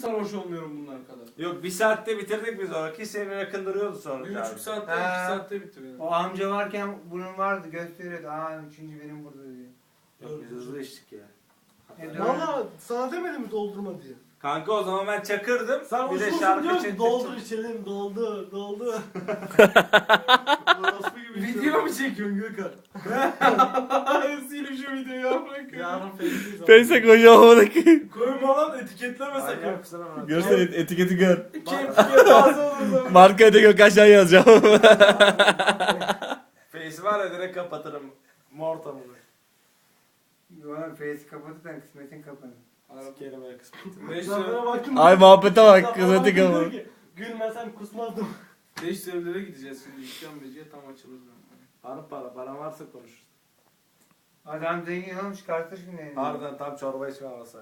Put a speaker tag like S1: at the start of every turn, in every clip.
S1: sarhoş olmuyorum bunlar kadar.
S2: Yok 1 saatte bitirdik biz onu. 2 sene yakındırıyordu sonra.
S1: 1,5 saatte, 2 saatte bitiriyor.
S3: O amca varken bunun vardı gösteriyordu. Aa üçüncü benim burada diyor.
S2: Yok biz hızlı içtik ya.
S4: Valla sana demedim mi doldurma diye.
S2: Kanka o zaman ben çakırdım.
S4: Sen
S2: bir de
S4: usulsün
S2: şarkı
S4: diyor
S2: için
S4: ki doldur içelim doldur doldur. Orospu gibi
S1: Video mu çekiyorsun Gökhan? Silip şu videoyu ya bırak.
S4: Yarın face'deyiz.
S5: Face'e koyacağım onu.
S1: Koyma lan etiketleme sakın.
S2: Manyak mısın ama?
S5: Görsen etiketi gör.
S1: Kepçeye bazı olur.
S5: Marka da yok aşağı yazacağım.
S2: Face var ya direkt kapatırım. Morta mı?
S3: Oğlum face'i kapatırsan kısmetin kapanır.
S2: Sikerim ya kısmet.
S1: 5
S4: Zafer'e baktım.
S5: Ay muhabbete bak,
S4: Zafer'e
S5: kızı
S4: baktım,
S5: tıkamı.
S4: diyor ki, gülmesem kusmazdım.
S1: servilere gideceğiz şimdi. İşkembeciye tam açılır.
S2: Para varsa konuşuruz.
S3: Adam zengin oğlum çıkartır şimdi elini.
S2: Harbiden tam çorba içme havası.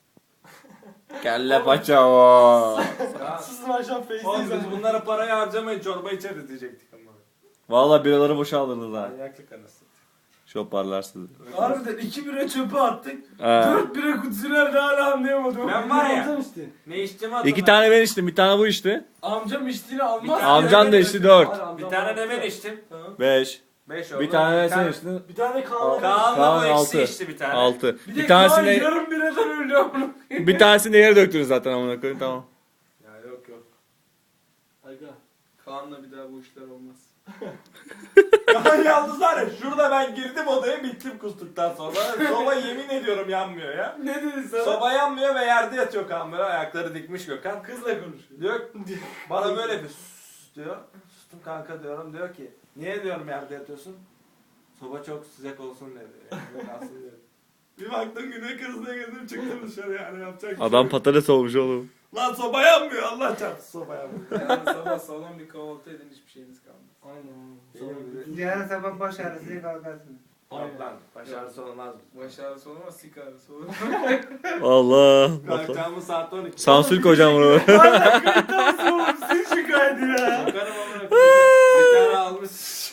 S5: Kelle paça o.
S2: Ya,
S4: Susun akşam
S2: oğlum
S4: face'deyiz.
S2: biz bunlara parayı harcamayın çorba içeriz diyecektik ama.
S5: Valla biraları boşaldınız ha.
S2: Manyaklık anasını.
S5: Şoparlar sizi.
S1: Harbiden 2 bira çöpe attık.
S5: He.
S1: 4 bira kutusu nerede hala anlayamadım.
S2: Ben var ya.
S4: Amcam işte.
S2: Ne içtiğimi hatırlamıyorum.
S5: 2 tane ben içtim, bir tane bu içti.
S1: Amcam içtiğini almaz.
S2: Bir
S5: Amcan da içti 4.
S2: Bir tane de ben içtim.
S5: 5.
S2: 5 oldu.
S5: Bir tane sen içtin.
S4: Bir tane Kaan'la
S2: Kaan da
S5: Kaan
S2: bu eksi
S5: altı.
S2: içti bir tane.
S5: 6.
S1: Bir
S5: Bir
S1: de Kaan
S5: tanesini
S1: yarım biradan öldü amına.
S5: bir tanesini yere döktünüz zaten amına koyayım, tamam.
S2: Ya yok.
S4: Aga.
S1: Kaan'la bir daha bu işler olmaz.
S2: Kaan yalnız var ya şurada ben girdim odaya bittim kustuktan sonra. Soba yemin ediyorum yanmıyor ya.
S1: Ne dedin sana?
S2: Soba yanmıyor ve yerde yatıyor Kaan böyle ayakları dikmiş Gökhan.
S1: Kızla konuşuyor.
S2: Diyor bana böyle bir sus diyor. Sustum kanka diyorum diyor ki niye diyorum yerde yatıyorsun? Soba çok sıcak olsun dedi. Yani, kalsın diyor. Bir baktım güne kızına girdim çıktım dışarı yani yapacak bir şey
S5: Adam
S2: yok.
S5: patates olmuş oğlum.
S2: Lan soba yanmıyor Allah çarpsın soba yanmıyor.
S1: Yani sabah sağlam bir kahvaltı edin hiçbir şeyiniz kalmaz.
S4: Aynen.
S3: Yarın sabah baş ağrısıyla kalkarsın.
S2: Yok lan baş ağrısı olmaz.
S1: Baş ağrısı olmaz, sik ağrısı olur.
S5: Allah.
S2: Kalkacağımız saat 12.
S5: Sansür koyacağım bunu.
S4: Sen şu kaydı ya.
S2: Bakarım amına koyayım. Bir tane almış.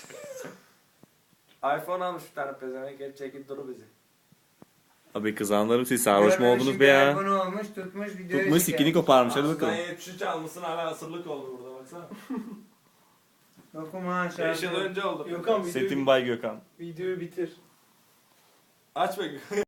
S2: iPhone almış bir tane pezevenk hep çekip duru bizi.
S5: Abi kızanlarım, siz sarhoş mu oldunuz be ya?
S3: Telefonu olmuş tutmuş videoyu
S5: Tutmuş sikini koparmış, hadi bakalım.
S2: Aslında 73 almışsın hala asırlık oldu burada baksana.
S3: Dokuma
S2: 5 yıl önce oldu.
S1: Gökhan
S5: Setim Bay Gökhan.
S1: videoyu bitir.
S2: Aç be.